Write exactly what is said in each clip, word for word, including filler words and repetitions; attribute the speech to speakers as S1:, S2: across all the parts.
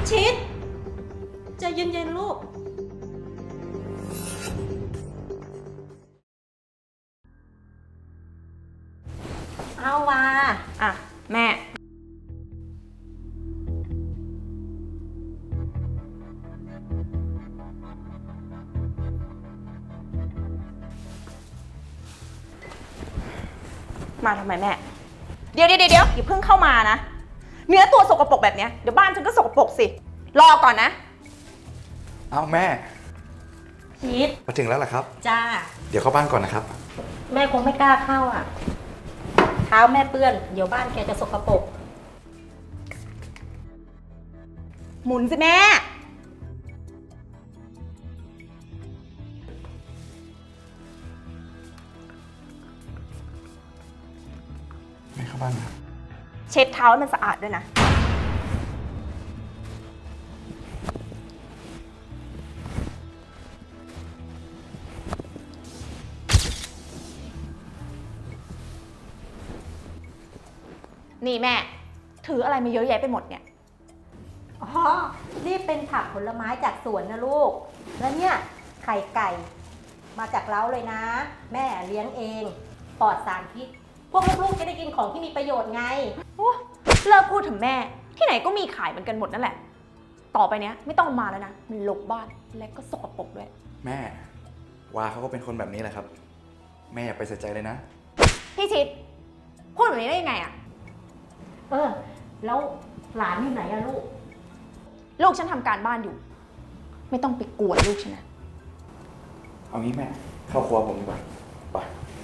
S1: ชิดใจเย็นๆลูกเอาว่า
S2: อ่ะแม่มาทำไมแม่เดี๋ยวเดี๋ยวเดี๋ยวอย่าเพิ่งเข้ามานะเนื้อตัวสกปรกแบบเนี้ยเดี๋ยวบ้านฉันก็สกปรกสิรอก่อนนะ
S3: เอาแม่
S1: ชิด
S3: มาถึงแล้วเหรอครับ
S1: จ้า
S3: เดี๋ยวเข้าบ้านก่อนนะครับ
S1: แม่คงไม่กล้าเข้าอ่ะเท้าแม่เปื้อนเดี๋ยวบ้านแกจะสกปรก
S2: หมุนสิแม่
S3: ไม่เข้าบ้านครับ
S2: เช็ดเท้าให้มันสะอาดด้วยนะนี่แม่ถืออะไรมาเยอะแยะไปหมดเนี่ย
S1: อ๋อนี่เป็นผักผลไม้จากสวนนะลูกแล้วเนี่ยไข่ไก่มาจากเล้าเลยนะแม่เลี้ยงเองปลอดสารพิษพวกลูกๆจะได้กินของที่มีประโยชน์ไง
S2: โอ้เลิกพูดถึงแม่ที่ไหนก็มีขายเหมือนกันหมดนั่นแหละต่อไปเนี้ยไม่ต้องมาแล้วนะมันรกบ้านและก็สกปรกด้วย
S3: แม่วาเขาก็เป็นคนแบบนี้แหละครับแม่อย่าไปใส่ใจเลยนะ
S2: พี่ชิดพูดแบบนี้ได้ยังไงอะ
S1: เออแล้วหลานอยู่ไหนอะลูก
S2: ลูกฉันทำการบ้านอยู่ไม่ต้องไปกวนลูกฉันนะ
S3: เอางี้แม่เข้าครัวผมดีกว่าไป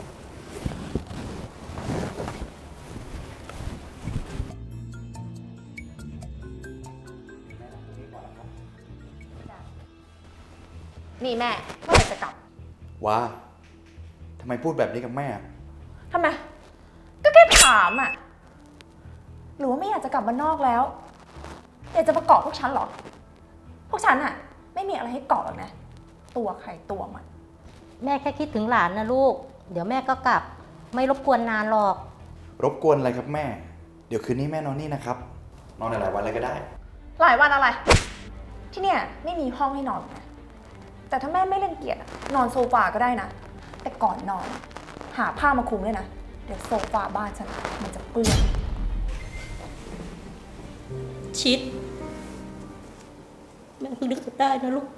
S2: นี่แม่เมื่อไหร่จะกลับ
S3: ว้าทำไมพูดแบบนี้กับแม่
S2: ทำไมก็แค่ถามอะหรือว่าไม่อยากจะกลับบ้านนอกแล้วอยากจะประกอบพวกฉันหรอพวกฉันอะไม่มีอะไรให้เกาะหรอกนะตัวใครตัวมัน
S1: แม่แค่คิดถึงหลานนะลูกเดี๋ยวแม่ก็กลับไม่รบกวนนานหรอก
S3: รบกวนอะไรครับแม่เดี๋ยวคืนนี้แม่นอนนี่นะครับนอนหลายวันอะไรก็ได้
S2: หลายวันอะไรที่เนี่ยไม่มีห้องให้นอนนะแต่ถ้าแม่ไม่เล่นเกียรตินอนโซฟาก็ได้นะแต่ก่อนนอนหาผ้ามาคลุมด้วยนะเดี๋ยวโซฟาบ้านฉันมันจะเปื้อน
S1: ชิดแม่เพิ่งนึกได้นะลูก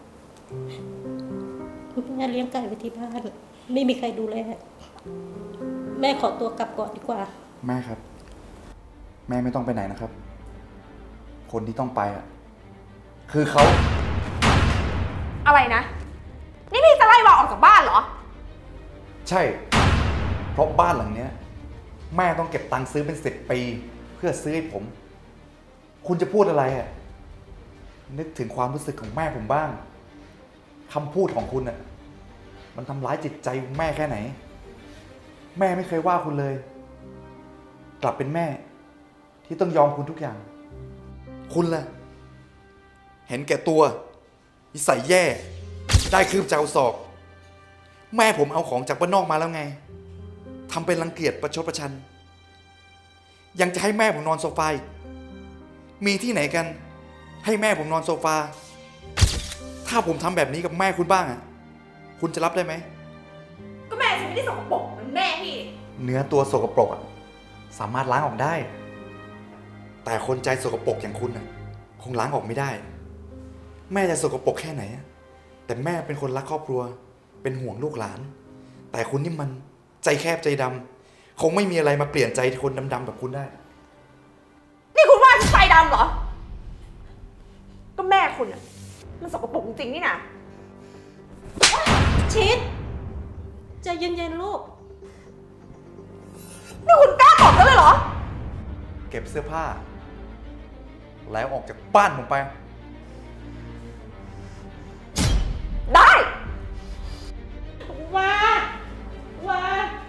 S1: แม่เลี้ยงไก่ไว้ที่บ้านไม่มีใครดูแลแม่ขอตัวกลับก่อนดีกว่า
S3: แม่ครับแม่ไม่ต้องไปไหนนะครับคนที่ต้องไปอ่ะคือเขา
S2: อะไรนะนี่พี่จะไล่วาออกจากบ้านเหรอ
S3: ใช่เพราะบ้านหลังเนี้ยแม่ต้องเก็บตังค์ซื้อเป็นสิบปีเพื่อซื้อให้ผมคุณจะพูดอะไรอ่ะนึกถึงความรู้สึกของแม่ผมบ้างคำพูดของคุณอ่ะมันทำร้ายจิตใจแม่แค่ไหนแม่ไม่เคยว่าคุณเลยกลับเป็นแม่ที่ต้องยอมคุณทุกอย่างคุณล่ะเห็นแก่ตัวนิสัยแย่ได้คืบเจ้าศอกแม่ผมเอาของจากบ้านนอกมาแล้วไงทำเป็นรังเกียจประชดประชันยังจะให้แม่ผมนอนโซฟามีที่ไหนกันให้แม่ผมนอนโซฟาถ้าผมทำแบบนี้กับแม่คุณบ้างอ่ะคุณจะรับได้ไหม
S2: ก็แม่ฉันไม่ได้สกปรกเหมือนแม่พี่
S3: เนื้อตัวสกปรกอ่ะสามารถล้างออกได้แต่คนใจสกปรกอย่างคุณอ่ะคงล้างออกไม่ได้แม่จะสกปรกแค่ไหนแต่แม่เป็นคนรักครอบครัวเป็นห่วงลูกหลานแต่คุณนี่มันใจแคบใจดำคงไม่มีอะไรมาเปลี่ยนใจคนดำๆแบบคุณได้
S2: นี่คุณว่าฉันใจดำเหรอก็แม่คุณอะมันสกปรกจริงๆนี่นะ
S1: ชิดใจเย็นๆลูก
S2: นี่คุณกล้าบอกกันเลยเหรอ
S3: เก็บเสื้อผ้าแล้วออกจากบ้านผมไป
S2: ได้
S1: ว่าว่า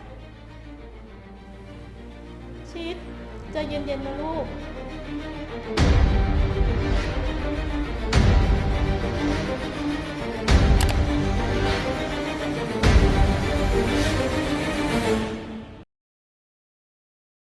S1: ชิดใจเย็นๆนะลูก